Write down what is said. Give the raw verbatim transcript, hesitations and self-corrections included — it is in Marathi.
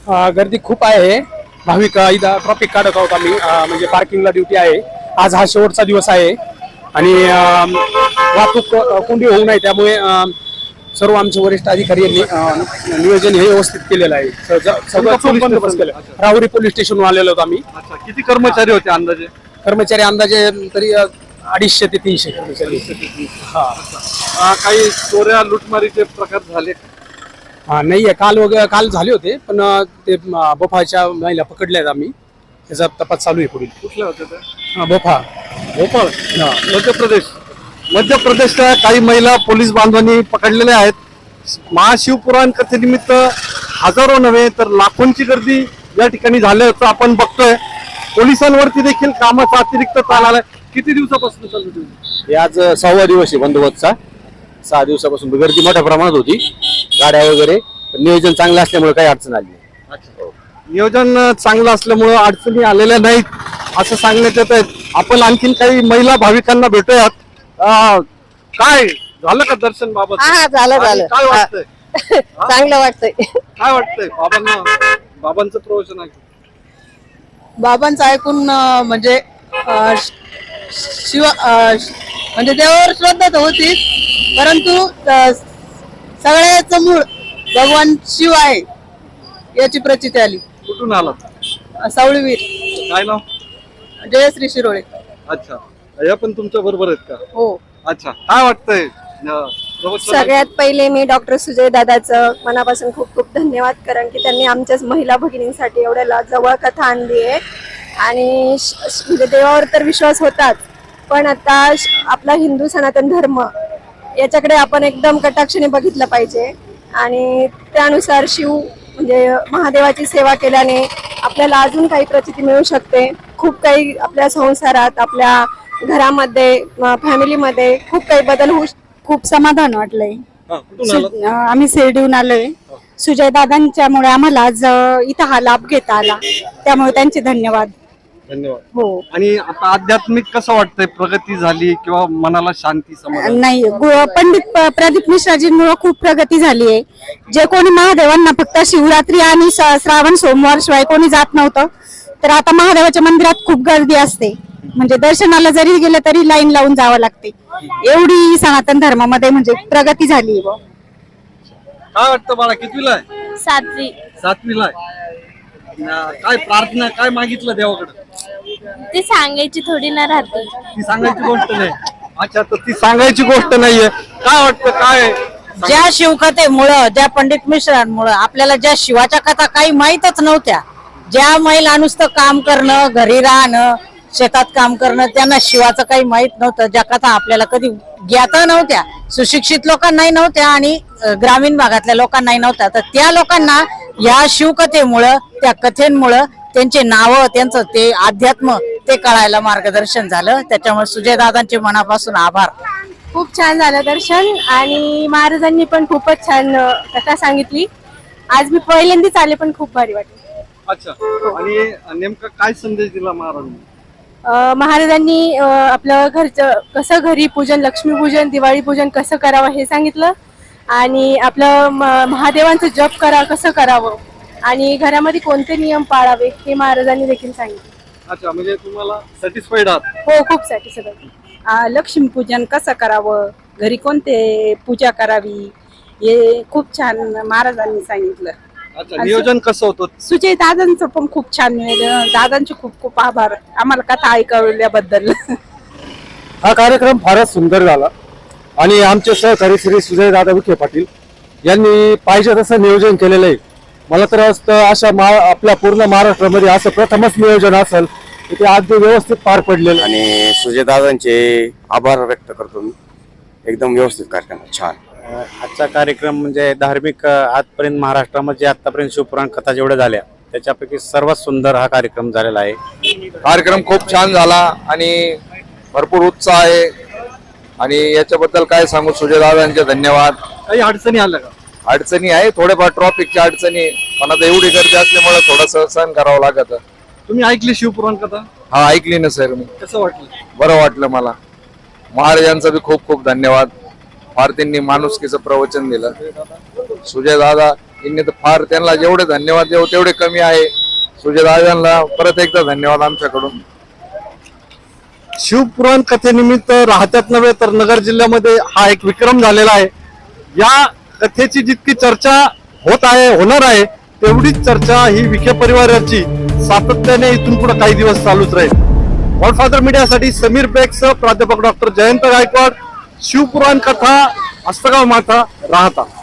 अ, गर्दी खूप आहे. भाविक अ, इथं ट्रॉफिक काढत आहोत आम्ही. अ, म्हणजे पार्किंगला ड्युटी आहे. आज हा शेवटचा दिवस आहे आणि अ, वाहतूक अ, कोंडी होऊ नये त्यामुळे अ, सर्व आमचे वरिष्ठ अधिकारी यांनी अ, नियोजन हे व्यवस्थित केलेलं आहे. स- ज- सगळं चोख बंदोबस्त केलं. राहुरी पोलीस स्टेशनवर आलेलो होतो आम्ही. अच्छा, किती कर्मचारी होते अंदाजे? कर्मचारी अंदाजे तरी अ, अडीचशे ते तीनशे कर्मचारी. हा अ, काही चोऱ्या लुटमारीचे प्रकार झाले का? हा नाहीये. काल वगैरे काल झाले होते पण अ, ते अ, बोफाच्या महिला पकडल्या आहेत आम्ही. त्याचा तपास चालू आहे पुढील. कुठल्या होत्या त्या? हा, बोफा. भोपाळ, मध्य प्रदेश. मध्य प्रदेशच्या काही महिला पोलीस बांधवांनी पकडलेल्या आहेत. महाशिवपुराण कथेनिमित्त हजारो नव्हे तर लाखोंची गर्दी या ठिकाणी झाल्याचं आपण बघतोय. पोलिसांवरती देखील कामाचा अतिरिक्त ताण आलाय. किती दिवसापासून चालू आहे? हे आज सहावा दिवस आहे बंदोबस्तचा. सहा दिवसापासून गर्दी मोठ्या प्रमाणात होती, गाड्या वगैरे. नियोजन चांगलं असल्यामुळे काही अडचण आली नाही. नियोजन चांगलं असल्यामुळं अडचणी आलेल्या नाहीत असं सांगण्यात येत आहेत. आपण आणखीन काही महिला भाविकांना भेटूयात. अं, काय झालं का दर्शन बाबत? हा झालं झालं काय वाटतंय? चांगलं वाटतंय. काय वाटतंय बाबांना? बाबांचं प्रवचन आहे. बाबांचं ऐकून अं, म्हणजे अं, शिव अं, म्हणजे देवावर श्रद्धा तर होतीच, परंतु अं, सगळ्याचं मूळ भगवान शिव आहे याची प्रचिती आली. कुठून आला? सावळीवीर. काय नाव? जयश्री शिरोळे. अच्छा, या पण तुमच्या बरोबर आहेत का? हो. अच्छा, काय वाटतंय? अं, प्रवचन सगळ्यात पहिले मी डॉक्टर सुजय दादाचं मनापासून खूप खूप धन्यवाद, कारण की त्यांनी आमच्याच महिला भगिनींसाठी एवढ्या जवळ कथा आणली आहे. आणि श- श- म्हणजे देवावर तर विश्वास होताच, पण आता श- आपला हिंदू सनातन धर्म याच्याकडे आपण एकदम कटाक्षाने बघितलं पाहिजे. आणि त्यानुसार शिव म्हणजे महादेवाची सेवा केल्याने आपल्याला अजून काही प्रचिती मिळू शकते. खूप काही आपल्या संसारात, आपल्या घरामध्ये, फॅमिलीमध्ये खूप काही बदल होऊ. खूप समाधान वाटलंय. हा, कुठून आलात? सु- अं, आम्ही शिर्डीहून आलोय. सुजय दादांच्यामुळे आम्हाला आज अं, इथं हा लाभ घेता आला, त्यामुळे त्यांचे धन्यवाद. धन्यवाद. हो. आणि आता आध्यात्मिक कसं वाटतंय? प्रगती झाली किंवा मनाला शांती, समाधान? नाही, गु- पंडित प- प्रदीप मिश्राजींमुळे खूप प्रगती झाली आहे. जे कोणी महादेवांना फक्त शिवरात्री आणि स- श्रावण सोमवार शिवाय कोणी जात नव्हतं, तर आता महादेवाच्या मंदिरात खूप गर्दी असते. म्हणजे दर्शनाला जरी गेलं तरी लाईन लावून जावं लागते. एवढी सनातन धर्मामध्ये म्हणजे प्रगती झाली. काय वाटतं बाळा? कितवीला आहे? सातवी. सातवीला आहे. अं, काय प्रार्थना, काय मागितलं देवाकडे? ती सांगायची थोडी ना राहते. ती सांगायची गोष्ट नाही. अच्छा, तर ती सांगायची गोष्ट नाहीये. काय वाटतं? काय ज्या शिवकथेमुळं, ज्या पंडित मिश्रांमुळं आपल्याला ज्या शिवाच्या कथा काही माहीतच नव्हत्या, ज्या महिला नुसतं काम करणं, घरी राहणं, शेतात काम करणं, त्यांना शिवाचं काही माहित नव्हतं, ज्या कथा आपल्याला कधी ज्ञात नव्हत्या, सुशिक्षित लोकांनाही नव्हत्या आणि ग्रामीण भागातल्या लोकांनाही नव्हत्या, तर त्या लोकांना या शिवकथेमुळं, त्या कथेंमुळं त्यांचे नावं, त्यांचं ते अध्यात्म ते कळायला मार्गदर्शन झालं. त्याच्यामुळे सुजयदादांचे मनापासून आभार. खूप छान झालं दर्शन आणि महाराजांनी पण खूपच छान अ, कथा सांगितली. आज मी पहिल्यांदाच आले, पण खूप भारी वाटलं. अच्छा, आणि नेमका काय संदेश दिला महाराजांनी? अ, महाराजांनी अ, आपलं घरचं कसं, घरी पूजन, लक्ष्मीपूजन, दिवाळी पूजन कसं करावं हे सांगितलं. आणि आपलं म- महादेवांचं जप करा कसं करावं आणि घरामध्ये कोणते नियम पाळावे हे महाराजांनी देखील सांगितलं. अच्छा, म्हणजे तुम्हाला सॅटिस्फाईड आहात? हो, खूप सॅटिस्फाईड. लक्ष्मीपूजन कसं करावं, घरी कोणते पूजा करावी, हे खूप छान महाराजांनी सांगितलं. अच्छा, नियोजन कसं होतं? सुजय दादांचं पण खूप छान निवेदन. दादांचे खूप खूप आभार आम्हाला कथा ऐकवल्याबद्दल. हा कार्यक्रम फारच सुंदर झाला आणि आमचे सहकारी श्री सुजय दादा विखे पाटील यांनी पाहिजे तसं नियोजन केलेलं आहे. मला तर असतं अशा मा आपल्या पूर्ण महाराष्ट्रामध्ये असं प्रथमच नियोजन असेल की ते अगदी व्यवस्थित पार पडलेलं. आणि सुजयदादांचे आभार व्यक्त करतो मी. एकदम व्यवस्थित कार्यक्रम छान. आजचा कार्यक्रम म्हणजे धार्मिक आजपर्यंत महाराष्ट्रामध्ये आतापर्यंत शिवपुराण कथा जेवढ्या झाल्या त्याच्यापैकी सर्वात सुंदर हा कार्यक्रम झालेला आहे. कार्यक्रम खूप छान झाला आणि भरपूर उत्साह आहे आणि याच्याबद्दल काय सांगू, सुजयदादांचे धन्यवाद. काही अडचणी आल्या का? अडचणी आहे थोडेफार, ट्रॉफिकच्या अडचणी, पण आता एवढी गर्दी असल्यामुळे थोडंसं सहन करावं लागत. तुम्ही ऐकली शिवपुराण कथा? हा, ऐकली ना सर मी. कसं वाटलं? बरं वाटलं मला. महाराजांचा बी खूप खूप धन्यवाद. फार त्यांनी माणुसकीचं प्रवचन दिलं. सुजय दादा यांनी तर फार, त्यांना जेवढे धन्यवाद देऊ तेवढे कमी आहे. सुजयदादांना परत एकदा धन्यवाद आमच्याकडून. शिवपुराण कथेनिमित्त राहत्यात नव्हे तर नगर जिल्ह्यामध्ये हा एक विक्रम झालेला आहे. या कथेची जितकी चर्चा होत आहे, होणार आहे, तेवढीच चर्चा ही विखे परिवाराची सातत्याने इथून पुढे काही दिवस चालूच राहील. गॉडफादर मीडियासाठी समीर बेगसह प्राध्यापक डॉक्टर जयंत गायकवाड, शिवपुराण कथा, हस्तगाव माथा, राहता.